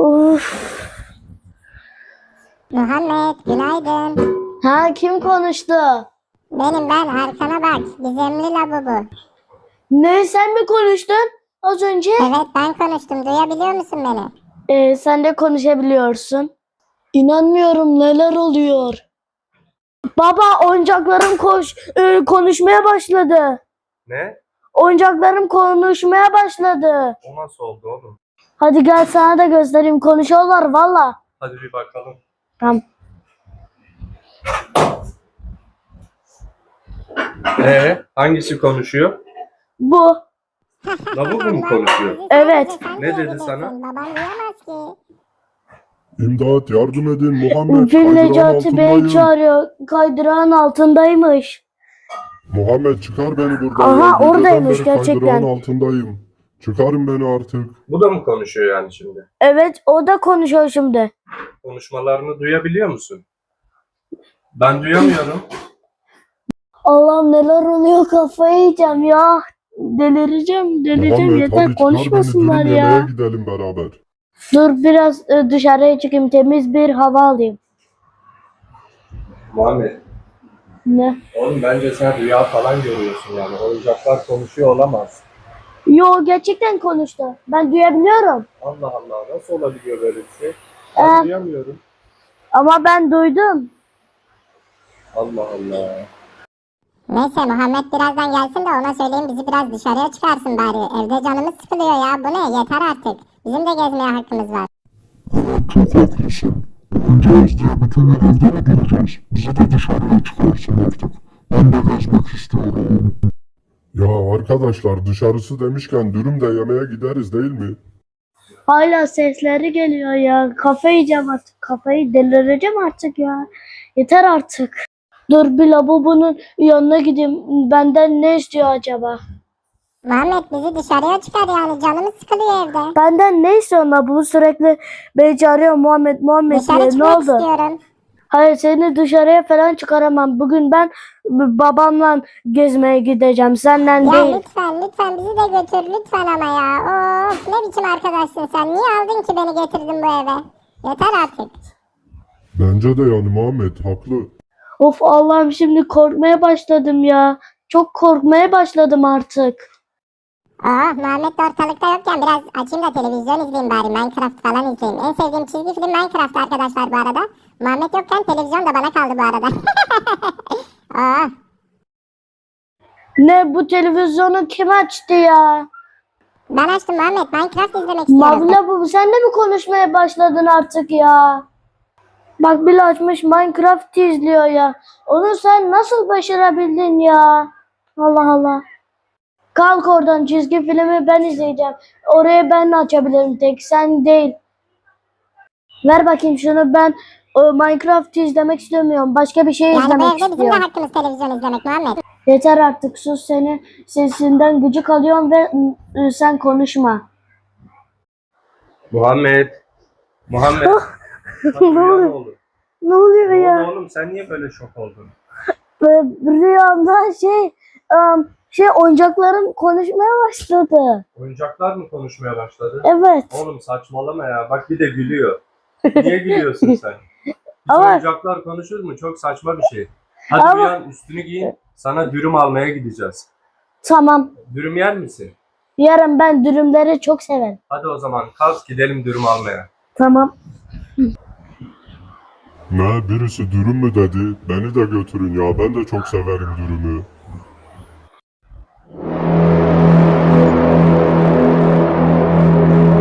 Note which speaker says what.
Speaker 1: Uf.
Speaker 2: Muhammed günaydın.
Speaker 1: Ha, kim konuştu?
Speaker 2: Ben arkana bak. Gizemli lavabo.
Speaker 1: Ne, sen mi konuştun az önce?
Speaker 2: Evet ben konuştum. Duyabiliyor musun beni?
Speaker 1: Sen de konuşabiliyorsun. İnanmıyorum, neler oluyor? Baba, oyuncaklarım konuşmaya başladı.
Speaker 3: Ne?
Speaker 1: Oyuncaklarım konuşmaya başladı.
Speaker 3: O nasıl oldu oğlum?
Speaker 1: Hadi gel sana da göstereyim, konuşuyorlar valla.
Speaker 3: Hadi bir bakalım.
Speaker 1: Tamam.
Speaker 3: Hangisi konuşuyor?
Speaker 1: Bu.
Speaker 3: Lavabo mu konuşuyor?
Speaker 1: Evet.
Speaker 3: Ne dedi sana?
Speaker 2: Babam duyamaz ki.
Speaker 4: İmdat, yardım edin Muhammed,
Speaker 1: Fil
Speaker 4: kaydırağın
Speaker 1: Necati Bey
Speaker 4: altındayım.
Speaker 1: çağırıyor. Kaydırağın altındaymış.
Speaker 4: Muhammed çıkar beni buradan.
Speaker 1: Aha,
Speaker 4: ya. Geceden
Speaker 1: oradaymış
Speaker 4: beri
Speaker 1: gerçekten.
Speaker 4: Kaydırağın altındayım. Çıkarın beni artık.
Speaker 3: Bu da mı konuşuyor yani şimdi?
Speaker 1: Evet, o da konuşuyor şimdi.
Speaker 3: Konuşmalarını duyabiliyor musun? Ben duyamıyorum.
Speaker 1: Allah'ım, neler oluyor, kafayı yiyeceğim ya. Delireceğim
Speaker 4: Muhammed
Speaker 1: yeter,
Speaker 4: hadi çıkar
Speaker 1: konuşmasınlar
Speaker 4: beni, dürüm
Speaker 1: ya.
Speaker 4: yemeğe gidelim beraber.
Speaker 1: Dur biraz dışarıya çıkayım, temiz bir hava alayım.
Speaker 3: Muhammed,
Speaker 1: Ne?
Speaker 3: oğlum bence sen rüya falan görüyorsun yani. Oyuncaklar konuşuyor olamaz.
Speaker 1: Yo, gerçekten konuştu. Ben duyabiliyorum.
Speaker 3: Allah Allah, nasıl olabiliyor böyle bir şey?
Speaker 1: Ee?
Speaker 3: Ben duyamıyorum.
Speaker 1: Ama ben duydum.
Speaker 3: Allah Allah.
Speaker 2: Neyse Muhammed birazdan gelsin de ona söyleyeyim bizi biraz dışarıya çıkarsın bari. Evde canımız sıkılıyor ya. Bu ne? Yeter artık. Bizim de gezmeye hakkımız var.
Speaker 5: Çok haklısın. Bakacağız diye bütün gün evde mi duracağız? Bizi de dışarıya çıkarsın artık. Ben de gezmek istiyorum.
Speaker 4: Ya arkadaşlar, dışarısı demişken dürüm de yemeye gideriz değil mi?
Speaker 1: Hala sesleri geliyor ya. Kafayı yiyeceğim artık. Kafayı delireceğim artık ya. Yeter artık. Dur bir lavabonun yanına gideyim. Benden ne istiyor acaba?
Speaker 2: Muhammed bizi dışarıya çıkar yani. Canımız sıkılıyor evde.
Speaker 1: Benden ne istiyorsun la? Bu sürekli beni çağırıyor, Muhammed
Speaker 2: Dışarı
Speaker 1: diye. Ne
Speaker 2: çıkmak
Speaker 1: oldu?
Speaker 2: istiyorum.
Speaker 1: Hayır, seni dışarıya falan çıkaramam. Bugün ben babamla gezmeye gideceğim. Senden
Speaker 2: Ya
Speaker 1: değil.
Speaker 2: lütfen bizi de götür lütfen ama ya. Of ne biçim arkadaşsın sen. Niye aldın ki beni getirdin bu eve? Yeter artık.
Speaker 4: Bence de yani Muhammed haklı.
Speaker 1: Of Allah'ım, şimdi korkmaya başladım ya. Çok korkmaya başladım artık.
Speaker 2: Muhammed de ortalıkta yokken biraz açayım da televizyon izleyeyim bari. Minecraft falan izleyeyim. En sevdiğim çizgi film Minecraft arkadaşlar bu arada. Muhammed yokken televizyon da bana kaldı bu arada.
Speaker 1: Ne, bu televizyonu kim açtı ya?
Speaker 2: Ben açtım Muhammed. Minecraft izlemek istiyorum.
Speaker 1: Mavla, bu sen de mi konuşmaya başladın artık ya? Bak, bile açmış Minecraft izliyor ya. Onu sen nasıl başarabildin ya? Allah Allah. Kalk oradan, çizgi filmi ben izleyeceğim. Oraya ben açabilirim, tek sen değil. Ver bakayım şunu, ben Minecraft izlemek istemiyorum. Başka bir şey
Speaker 2: Yani bu
Speaker 1: izlemek
Speaker 2: evde bizim de
Speaker 1: istiyorum.
Speaker 2: hakkımız televizyon izlemek Muhammed.
Speaker 1: Yeter artık, sus, seni sesinden gıcık alıyorum ve sen konuşma.
Speaker 3: Muhammed. Muhammed. Bak,
Speaker 1: Ne
Speaker 3: rüya
Speaker 1: oluyor?
Speaker 3: oldu?
Speaker 1: Ne oluyor
Speaker 3: Ne
Speaker 1: ya?
Speaker 3: oldu oğlum, sen niye böyle şok oldun?
Speaker 1: Rüyamda oyuncaklarım konuşmaya başladı.
Speaker 3: Oyuncaklar mı konuşmaya başladı?
Speaker 1: Evet.
Speaker 3: Oğlum saçmalama ya. Bak bir de gülüyor. Niye gülüyorsun sen? Hiç
Speaker 1: Ama-
Speaker 3: oyuncaklar konuşur mu? Çok saçma bir şey. Hadi
Speaker 1: Ama-
Speaker 3: uyan, üstünü giyin. Sana dürüm almaya gideceğiz.
Speaker 1: Tamam.
Speaker 3: Dürüm yer misin?
Speaker 1: Yarın ben dürümleri çok severim.
Speaker 3: Hadi o zaman kalk gidelim dürüm almaya.
Speaker 1: Tamam.
Speaker 4: Ne, birisi dürüm mü dedi? Beni de götürün ya, ben de çok severim dürümü.